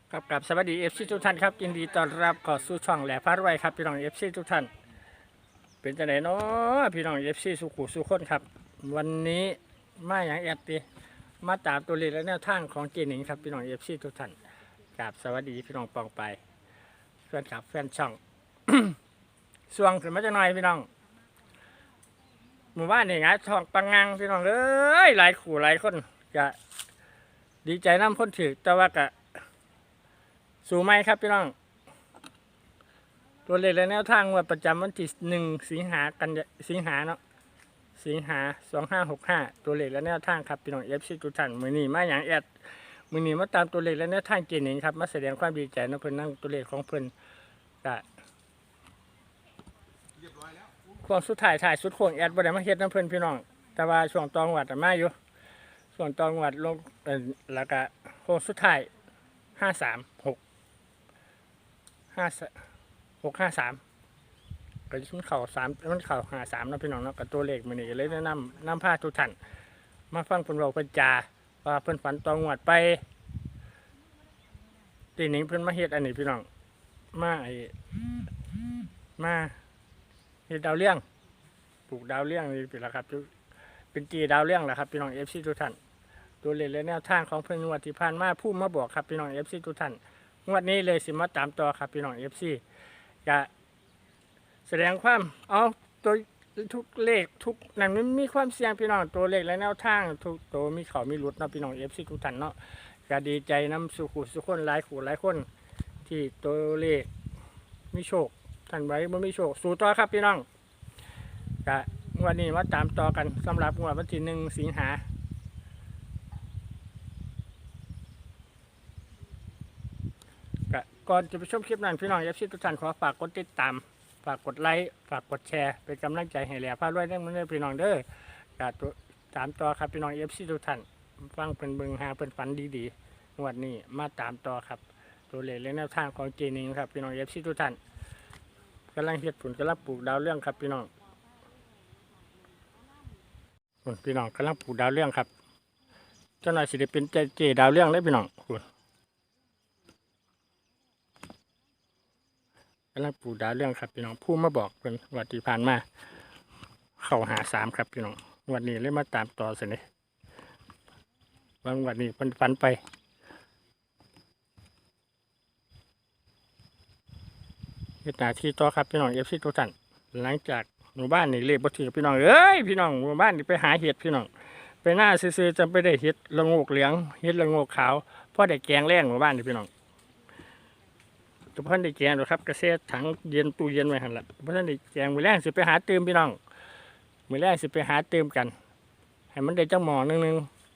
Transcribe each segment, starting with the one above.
ครับกับสวัสดีFCทุกท่านครับยินดีต้อนรับเข้าสู่ช่องแหล่พารวยครับพี่น้องFCทุกท่านเป็นจังไดเนาะพี่น้องFCสุขุสุขคนครับวันนี้มาอย่างแอดตีมาตามตัวเลขและแนวทางของเจหนิงครับพี่น้องFCทุกท่านกับสวัสดีพี่น้องปองไปแฟนคลับแฟนช่อง สวงขึ้นมาจะหน่อยพี่น้องหมู่บ้านนี่ไงทองปังงังพี่น้องเอ้ยหลายขู่หลายคนจะดีใจน้ำพ้นถือแต่ว่ากะสู่ไหมครับพี่น้องตัวเลขและแนวทางว่าประจำวันที่สิงหาเนาะสิงหา2565ตัวเลขและแนวทางครับพี่น้องFCทุกท่านมื้อนี้มาอย่างแอดมื้อนี้มาตามตัวเลขและแนวทางเจหนิงครับมาแสดงความดีใจนะเพิ่นนั่งตัวเลขของเพิ่นก็ช่วงสุดท้ายถ่ายสุดโค้งแอดบ่ได้มาเฮ็ดนํเพิ่นพี่น้องแต่ว่าช่วงตองวัดมาอยู่ช่วงตองวัดลงแล้วก็โค้งสุดท้าย536 ก็มันเข่า3มันเข่า53นะพี่น้องเนาะกับตัวเลขมื้อนี้เลยแนะนำพาทุกท่านมาฟังเพิ่นเว้าเพิ่นจาว่าเพิ่นฝันตองวดไปตีหนิงเพิ่นมาเฮ็ดอันนี้พี่น้องมาเฮ็ดดาวเรืองปลูกดาวเรืองนี่เป็นละครับเป็นจีดาวเรืองแหละครับพี่น้อง FC ทุกท่านตัวเลขและแนวทางของเพิ่นงวดที่ผ่านมาผู้มาบอกครับพี่น้อง FC ทุกท่านงวดนี้เลยสิมาตามต่อครับพี่น้อง FC จะแสดงความเอาตัวทุกเลขทุกนั้นมันมีความเสี่ยงพี่น้องตัวเลขและแนวทางทุกตัวมีเขามีหลุดเนาะพี่น้อง FC ทุกท่านเนาะก็ดีใจนำสุขคนหลายคนที่ตัวเลขมีโชคท่านไว้บ่มีโชคสู่ต่อครับพี่น้องก็งวดนี้มาตามต่อกันสำหรับงวดวันที่1 สิงหาก่อนจะไปชมคลิปนั้นพี่น้องFCทุกท่านขอฝากกดติดตามฝากกดไลค์ฝากกดแชร์เป็นกำลังใจให้แหล่พารวยได้มื้อนี้พี่น้องเด้อก็ตามต่อครับพี่น้อง FC ทุกท่านฟังเพิ่นเบิ่งหาเพิ่นฝันดีๆงวดนี้มาตามต่อครับตัวเลขและแนวทางของเจนิงครับพี่น้อง FC ทุกท่านกำลังเฮ็ดผลกำลังปลูกดาวเรืองครับพี่น้องพี่น้องกำลังปลูกดาวเรืองครับเจ้าหน่อยสิได้เป็นเจดาวเรืองเลยพี่น้องกำลังปลูกดาวเรื่องครับพี่น้องผู้มาบอกเป็นวัติผ่านมาเข้าหา3ครับพี่น้องวันนี้เลยมาตามต่อสิเนี่ยวันนี้เป็นฝันไปเหตุการณ์ที่ต่อครับพี่น้องFCทุกท่านหลังจากหมู่บ้านนี่เลขบ่ถือพี่น้องเอ้ยพี่น้องหมู่บ้านนี่ไปหาเห็ดพี่น้องไปหน้าซื่อๆจำไปได้เห็ดละโงกเหลืองเห็ดละโงกขาวเพราะได้แกงแรงหมู่บ้านนี่พี่น้องตัวพันได้แกงหรอครับกระเซ็ถังเย็นตู้เย็นไว้หันละเพราะท่านได้แกงมือแรงสิไปหาเติมพี่น้องมือแรงสิไปหาเติมกันให้มันได้จังหมอนึง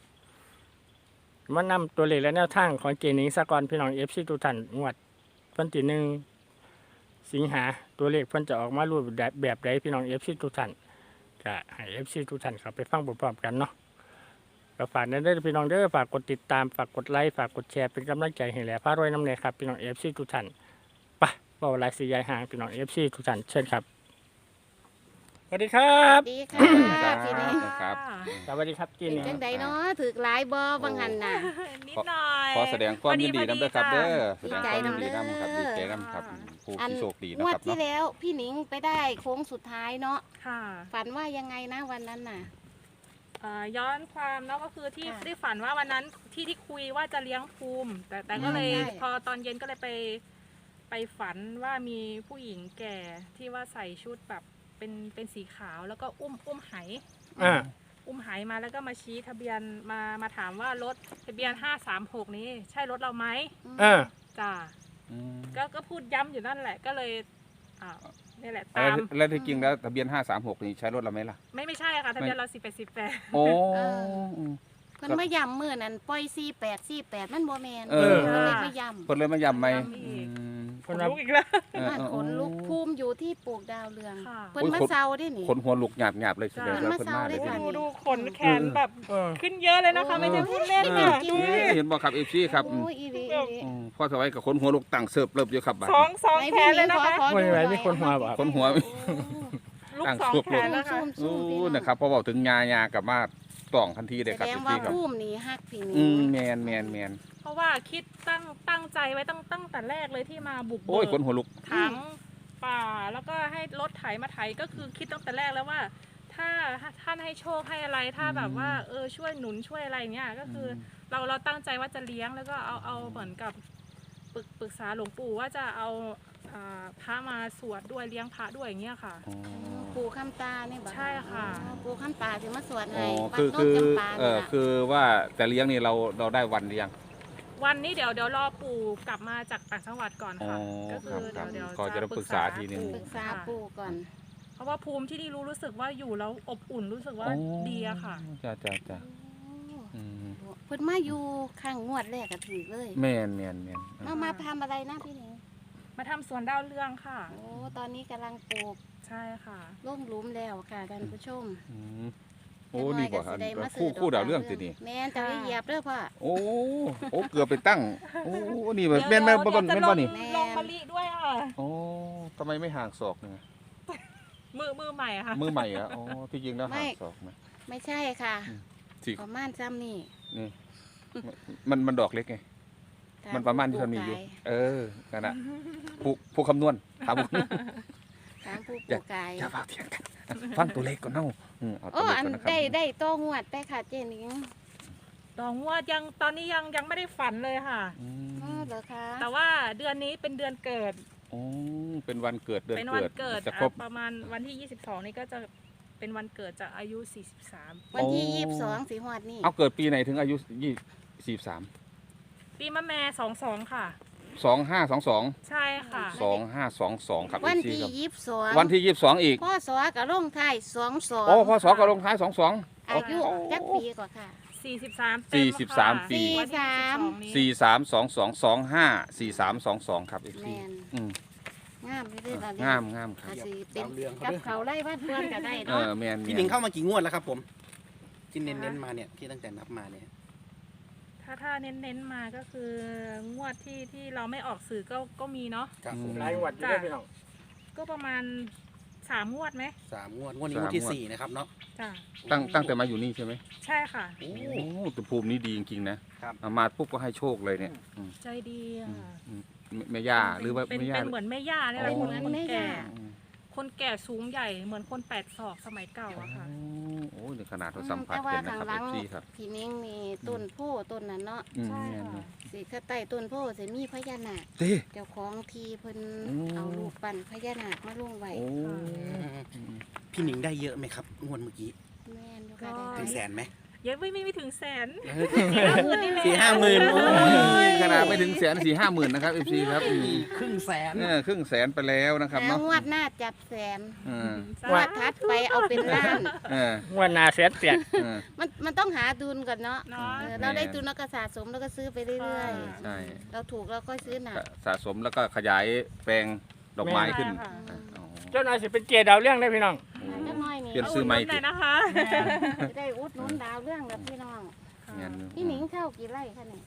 มันนำตัวเลขและแนวทางของเจนิงสกอนพี่น้องFCทุกท่านงวดวันที่1 สิงหาตัวเลขเพิ่นจะออกมารูปแบบใดพี่น้อง FC ทุกท่านก็ให้ FC ทุกท่านเข้าไปฟังพร้อมๆกันเนาะก็ฝากนั้นได้พี่น้องเด้อฝากกดติดตามฝากกดไลค์ฝากกดแชร์เป็นกำลังใจให้แหล่พารวยน้ำเนยครับพี่น้อง FC ทุกท่านไปเบาหลายสียายห่างพี่น้อง FC ทุกท่านเชิญครับสวัสดีครับสวัสดีค่ะพี่นี่ครับสวัสดีครับจีเป็นนี่จังไดเนาะถือหลายบ่บางหันน่ะนิดหน่อยขอแสดงความยินดีนำด้วยครับเด้อแสดีดงใจความยินนำดีเด้อนำครับดีใจนำครับผู้อันที่โชคดีงนะวดครับที่เนาะแล้วพี่หนิงไปได้โค้งสุดท้ายเนาะค่ะฝันว่ายังไงนะวันนั้นน่ะย้อนความเนาะก็คือที่ค่ะได้ฝันว่าวันนั้นที่คุยว่าจะเลี้ยงภูมิ แต่ก็เลยใช่พอตอนเย็นก็เลยไปฝันว่ามีผู้หญิงแก่ที่ว่าใส่ชุดแบบเป็นสีขาวแล้วก็อุ้มไหอ่าอุ้มไหมาแล้วก็มาชี้ทะเบียนมาถามว่ารถทะเบียน536นี้ใช่รถเราไหมอ่าจ้าอืมก็พูดย้ำอยู่นั่นแหละก็เลยนี่แหละแล้วตามแล้วที่จริงแล้วทะเบียน536นี่ใช้รถเราไหมล่ะไม่ใช่ค่ะทะเบียนเรา18 โอ้เพิ่นมาย้ำมื้อนั้นปล่อย48มันบ่แม่นเออเพิ่นเลยมาย้ำคนเลยมาย้ำไหมย้ำอีกอืมคนลุกอีกแล้วบ้านขนลุกภูมิอยู่ที่ปลูกดาวเรืองค่ะเพิ่นมาเซาได้นี่คนหัวลุกหยาบหยาบเลยแสดงว่ามาเพิ่นเศร้ามาได้เลยค่ะดูขนแขนแบบเออขึ้นเยอะเลยนะคะ ไม่ใช่พูดเล่นเอค่ะอดูดิเห็นบ่ครับ FC ครับโอ้ยอีหลีอีหลีพ่อสวัยกับคนหัวลุกตั้งเสิร์ฟเริ่มอยู่ครับบัดสองไหนแขพี่นหเลนิยงนะคะขอวันดูไหหนน่อยมีคนหัวบ่คนหัวลูกตั้งสองสุกแขนแล้วค่ะซูมๆพี่นะครับพอบอกถึงยากลับมาต้องทันทีเลยแสครับดงเอฟว่าซีครับภูมินี่ฮักพี่หนิอืงมแมนเพราะว่าคิดตั้งใจไว้ตั้งแต่แรกเลยที่มาบุกโอ้ยเบิขนกหัวลุกถังป่าแล้วก็ให้รถไถมาไถก็คือคิดตั้งแต่แรกแล้วว่า ถ้าท่านให้โชคให้อะไรถ้าแบบว่าช่วยหนุนช่วยอะไรเงี้ยก็คือเราตั้งใจว่าจะเลี้ยงแล้วก็เอาเหมือนกับปรึกษาหลวงปู่ว่าจะเอาพระมาสวดด้วยเลี้ยงพระด้วยอย่างเงี้ยค่ะอ๋อปู่คำตานี่บ่ใช่ค่ะอ๋อปู่คำตาสิมาสวดอ๋ให้อวัดคือโนคืนอจำปานี่ล่ะคือว่าแต่เลี้ยงนี่เราได้วันหรือยังวันนี้เดี๋ยวรอปู่กลับมาจากต่างจังหวัดก่อนค่ะอ๋อก็คือครับเดี๋ยวก็จะได้ปรึกษาทีนึงปรึกษาปู่ก่อนเพราะว่าภูมิที่นี่รู้สึกว่าอยู่แล้วอบอุ่นรู้สึกว่าดีอะค่ะจ้าโอ้อืมเพิ่นมาอยู่ข้างงวดแรกก็ถือเลยแมนมาทำอะไรนะพี่หนิงมาทำสวนดาวเรืองค่ะโอ้ตอนนี้กำลังปลูกใช่ค่ะล่มหลุมแล้วค่ะท่านผู้ชมอืมโอ้นี่บอกจักหยก็สิได้มาคู่ซื้คู่ดาวเรื่องสินี่แม่นจะได้เหยียบเด้อพ่อโอ้เกือบไปตั้งโอ้นี่แบบแม่นบ่เดี๋ยวจะบ่นี่ลงมะลิด้วยค่ะโอ้ทำไมไม่ห่างศอกเนี่ยมือใหม่อะค่ะมือใหม่อะอ๋อที่จริงแล้วห่างศอกนะไม่ใช่ค่ะสิประมาณซ้ำนี่นี่มันดอกเล็กไงมันประมาณที่มันมีอยู่ นั่นน่ะผู้คำนวณถามถามผู้ปลูกไก่อย่าฝากเถียงกันฟังตัวเลขก่อนเนาะเอาตัโอ้วเลขอันก่อนนะครับได้โต้งวดไปค่ะเจนิงดองว่ายังตอนนี้ยังไม่ได้ฝันเลยค่ะอือ๋อมเหรอคะแต่ว่าเดือนนี้เป็นเดือนเกิดโอ้เป็นวันเกิดเดือนเป็นวันเกิดเกิดจะครบประมาณวันที่ 22 นี่ก็จะเป็นวันเกิดจากอายุ 43 วันที่โอ้ 22สิงหาคมนี่เอาเกิดปีไหนถึงอายุ43 ปีมะแม่22 ค่ะ 2522 ใช่ค่ะ 2522ครับวันอีกทีที่ครับ 22 วันที่22อีกพ่อสอกับลงท้าย22 โอ้พศก็ลงท้าย22 อายุจักปีกว่าค่ะ 43เต็มค่ะ 43ปีวันที่22นี้ 4322254322ครับอีกแมทีนอืมงามเลยล่ะงามครับก็สิเป็นกับเขาไล่บ้านเพื่อนก็ได้เนาะแมนพี่หนิงเข้ามากี่งวดแล้วครับผมที่เน้นๆมาเนี่ยที่ตั้งแต่นับมาเนี่ยถ้าเน้นมาก็คืองวดที่เราไม่ออกสื่อก็มีเนาะครับผมหลายงวดอยู่เด้อพี่น้องก็ประมาณ3 งวดไหม 3 งวดงวดนี้งวดที่ 4 นะครับเนาะจ้ะตั้งแต่มาอยู่นี่ใช่ไหมใช่ค่ะโอ้โอ้แต่ภูมินี้ดีจริงๆนะครับ มาปุ๊บก็ให้โชคเลยเนี่ยอืมใจดีอะแม่ย่าหรือว่าเป็นแม่ย่าเหมือนแม่ย่าเนี่ยแหละอ๋อคนแก่อืมคนแก่สูงใหญ่เหมือนคน8 ศอกสมัยเก่าอะค่ะโอ้ในขนาดเราสัมผัสเห็นนะครับเอฟซีครับพี่นิ่งนี่ต้นโพต้นนั้นเนาะอืมใช่แม่นค่ะเลยสิข้าใต้ต้นโพสิมีพญานาคเต้เจ้าของทีเพิ่นอืมเอาลูกปั่นพญานาคมาลงไว้โอ้พี่หนิงได้เยอะไหมครับงวดเมื่อกี้แม่นอยู่ค่ะได้ถึงแสนไหมยังไม่ถึงแสน 4-5 หมื่นโอ้ยขนาดไม่ถึงแสน4-5 หมื่นนะครับเอฟซีครับอืมครึ่งแสนครึ่งแสนไปแล้วนะครับแล้วเนาะงวดหน้าจับแสนอืมงวดทัดไปเอาเป็นล้านเอองวดหน้าแสนเปียกเออมันต้องหาดุลก่อนเนาะเนาะเราได้ดุลเราก็สะสมแล้วก็ซื้อไปเรื่อยใช่ๆ เราถูกเราก็ซื้อหนักสะสมแล้วก็ขยายแปลงดอกไม้ขึ้นใช่ค่ะอ๋อเจ้านายสิเป็นเกียร์ดาวเรื่องได้อพี่น้องจักหน้อยนี่เปลี่ยนซื้อไม้หน่อยนะคะจะได้อุดหนุนดาวเรื่องแบบพี่น้องงั้นพี่หนิงเช่ากี่ไร่คะเนี่ย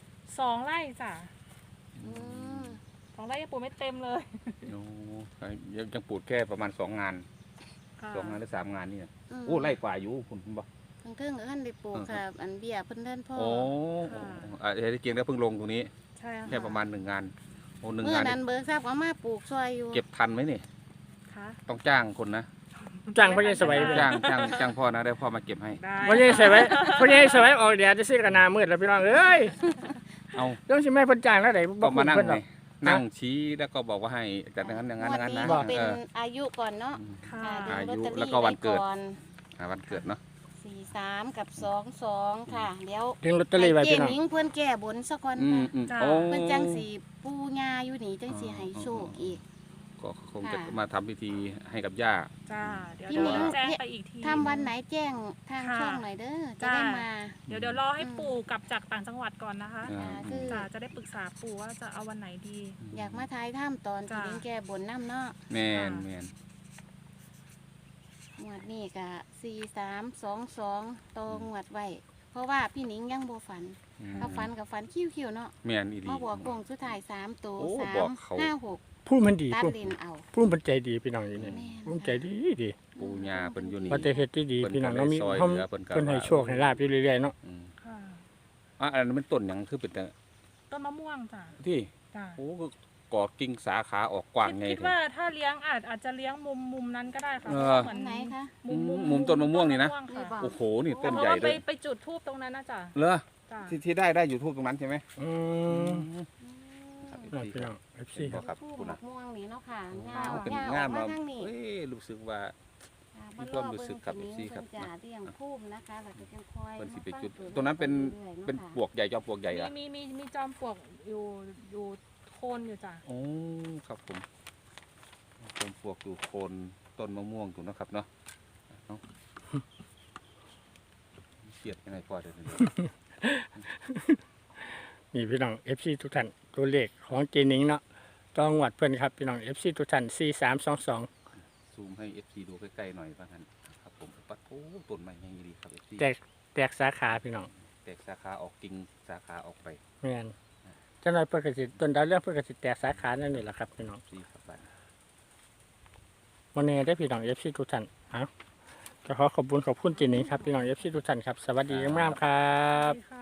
2 ไร่จ้ะอืม 2 ไร่ยังปลูกไม่เต็มเลยโอ้ยังปลูกแค่ประมาณ2 งานค่ะ 2 งานหรือ3 งานนี่นะมโอ้ไล่กว่าอยู่คุณบอกทั้งเทิงกับท่านได้ปลูกค่ะ อันเบี้ยเพิ่นเดินพ่อโอ้ที่เกียงแล้วเพิ่งลงตรงนี้ใช่ค่ะแค่ประมาณ1 งานโอ้1 เมื่องานนั้นเบิกทราบว่ามาปลูกซอยอยู่เก็บทันไหมนี่ค่ะต้องจ้างคนนะจ้างพ่อใหญ่สวัยไปจ้างพ่อนะได้พ่อมาเก็บให้ได้พ่อใหญ่สวัยพ่อใหญ่สวัยออกเดี๋ยวจะซื้อกันหนามืดแล้วพี่น้องเอ้ยเอาต้องสิแม่เพิ่นจ้างแล้วไหนก็มานั่งเพิ่นหรไงอกนั่งชี้แล้วก็บอกว่าให้จากนั้นอย่างนั้นงวดอย่างนั้นนี้นะก็เป็นเอออายุก่อนเนาะค่ะค่ะดูอายุลอตเตอรี่แล้วก็วันเกิดไก่อนวันเกิดเนาะ 43 กับ 22 ค่ะเดี๋ยวดึงลอตเตอรี่ไว้ให้เจพี่น้องหนิงเพิ่นแก้บนซะก่อนอืมค่ะอืมโอ้เพิ่นจังสีปูญาอยู่นี่จังสีให้โชคอีกก็คงจะค่ะมาทำพิธีให้กับย่าจ้าเดี๋ยวพี่หนิงแจ้งไปอีกทีทำวันไหนแจ้งทางค่ะช่องหน่อยเด้อจะจ้าได้มาเดี๋ยวรอให้ปู่กลับจากต่างจังหวัดก่อนนะคะอ่าคือจ้าจะได้ปรึกษาปู่ว่าจะเอาวันไหนดีอยากมาทายถ้ำตอนที่จ้าหนิงแก้บนน้ำเนาะแมนงวดนี้ก็4322ตองวดไว้เพราะว่าพี่หนิงยังบ่ฝันถ้าฝันกับฝันคิ้วๆเนาะแมนอีดีมาบอกกงสุดท้าย3ตัวโอ้ 3 บอกเขา 5 6 พพูดมันดีตัดพูดเลนเอาพูดมันใจดีพี่น้องอยู่นี่แม่นพูดใจดีดีปูญาเพิ่นอยู่นี่ว่าแต่เฮ็ดที่ดีเพิ่นพี่น้องก็เรามีได้ซอยเฮาเหลือเพิ่นก็เพิ่นให้โชคให้ลาบอยู่เรื่อยๆเนาะอืมค่ะอันนั้นมันต้นหยังคือเป็นแต่ต้นมะม่วงจ้ะที่จ้ะโอ้ก็กอดกิ่งสาขาออกกว้างไงคิดว่าถ้าเลี้ยงอาจจะเลี้ยงมุมนั้นก็ได้ค่ะเออเหมือนไหนคะมุมต้นมะม่วงนี่นะค่นี่บอกโอ้โหนี่ต้นเพราะใหญ่ว่าเลยไปจุดทูบตรงนั้นนะจ้ะเหรอจ้ะที่ได้อยู่ทูบตรงนั้นใช่ไหมอืมครับพี่น้อง FC เห็นบ่ครับทูบคุณมะนะม่วงนี่เนาะค่ะเป็นงางามออกมามาทางนี้เอ้ยรู้สึกว่าค่ะมีความรู้สึกครับเบิ่ง FC ครับเพิ่นจะเลี้ยงภูมินะคะแล้วก็จังคอยเพิ่นสิไปมาฟังจุดตัวตรงนั้นเป็นรื่อยๆาะเป็นค่ะปลวกใหญ่จอมปลวกใหญ่อะมีจอมปลวกอยู่โคนอยู่จ้ะโอ้ครับผมจอมปลวกอยู่โคนต้นมะม่วงอยู่นะครับเนาะเนาะเกลียดยังไงพอเดี๋ยวนี้นี่พี่น้อง FC ทุกท่านตัวเลขของเจนิงเนาะต้องวัดเพิ่นครับพี่น้อง FC ทุกท่าน4322 ซูมให้ FC ดูใกล้ๆหน่อยว่างั้นครับผมปัดโอ้ต้นไม้ยังดีครับ FC แตกสาขาพี่น้องแตกสาขาออกกิ่งสาขาออกไปแม่นจังได๋เพิ่นก็สิต้นดาวเรื่องเพิ่นก็สิแตกสาขานั่นนี่แหละครับพี่น้อง FC ครับบ้านวันนี้ได้พี่น้อง FC ทุกท่านก็ขอขอบคุณเจนิงครับพี่น้อง FC ทุกท่านครับสวัสดีงามๆครับสวัสดีค่ะ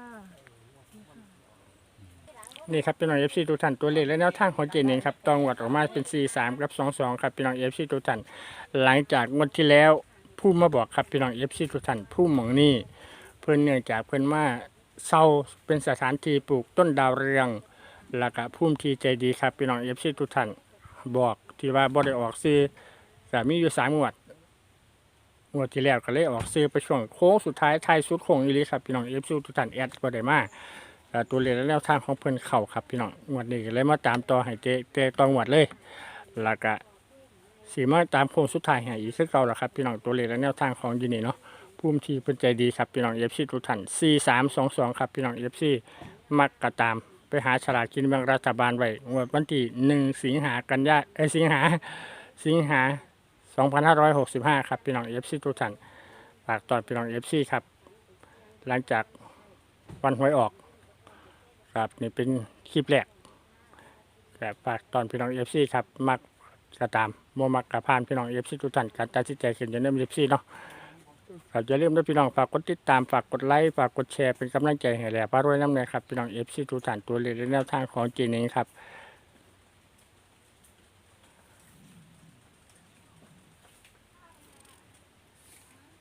นี่ครับพี่น้อง FC ทุกท่านตัวเลขและแนวทางของเจนิงครับตองวัดออกมาเป็น43กับ22ครับพี่น้อง FC ทุกท่านหลังจากงวดที่แล้วผู้มาบอกครับพี่น้อง FC ทุกท่านผู้หมองนี่เพิ่นเนื่องจากเพิ่นมาเซาเป็นสถานที่ปลูกต้นดาวเรืองแล้วก็ภูมิที่ใจดีครับพี่น้อง FC ทุกท่านบอกที่ว่าบ่ได้ออกซื้อก็มีอยู่3งวดที่แล้วก็เลยออกซื้อไปช่วงโค้งสุดท้ายท้ายสุดโค้งอีหลีครับพี่น้อง FC ทุกท่านแอดบ่ได้มาตัวเลขและแนวทางของเพิ่นเข้าครับพี่น้องงวดนี้ก็เลยมาตามต่อให้เตต่องวดเลยแล้วก็สิมาตามโค้งสุดท้ายให้อีกคือเก่าล่ะครับพี่น้องตัวเลขและแนวทางของอยู่นี่เนาะภูมิที่เพิ่นใจดีครับพี่น้อง FC ทุกท่าน4322ครับพี่น้อง FC มักก็ตามไปหาฉลากกินแบ่งรัฐบาลไว้งวดวันที่1สิงหาสิงหา2565ครับพี่น้อง FC ทุกท่านฝากตอนพี่น้อง FC ครับหลังจากวันหวยออกครับนี่เป็นคลิปแรกแต่ฝากตอนพี่น้อง FC ครับมักก็ตามบ่มักก็ผ่านพี่น้อง FC ทุกท่านการตัดสินใจขึ้นอยู่ใน FC เนาะครับอย่าลืมด้วยพี่น้องฝากกดติดตามฝากกดไลค์ฝากกดแชร์เป็นกำลังใจให้แหล่พารวยน้ำเนยครับพี่น้อง FC ทุกท่านตัวเลขและแนวทางของเจนิงครับ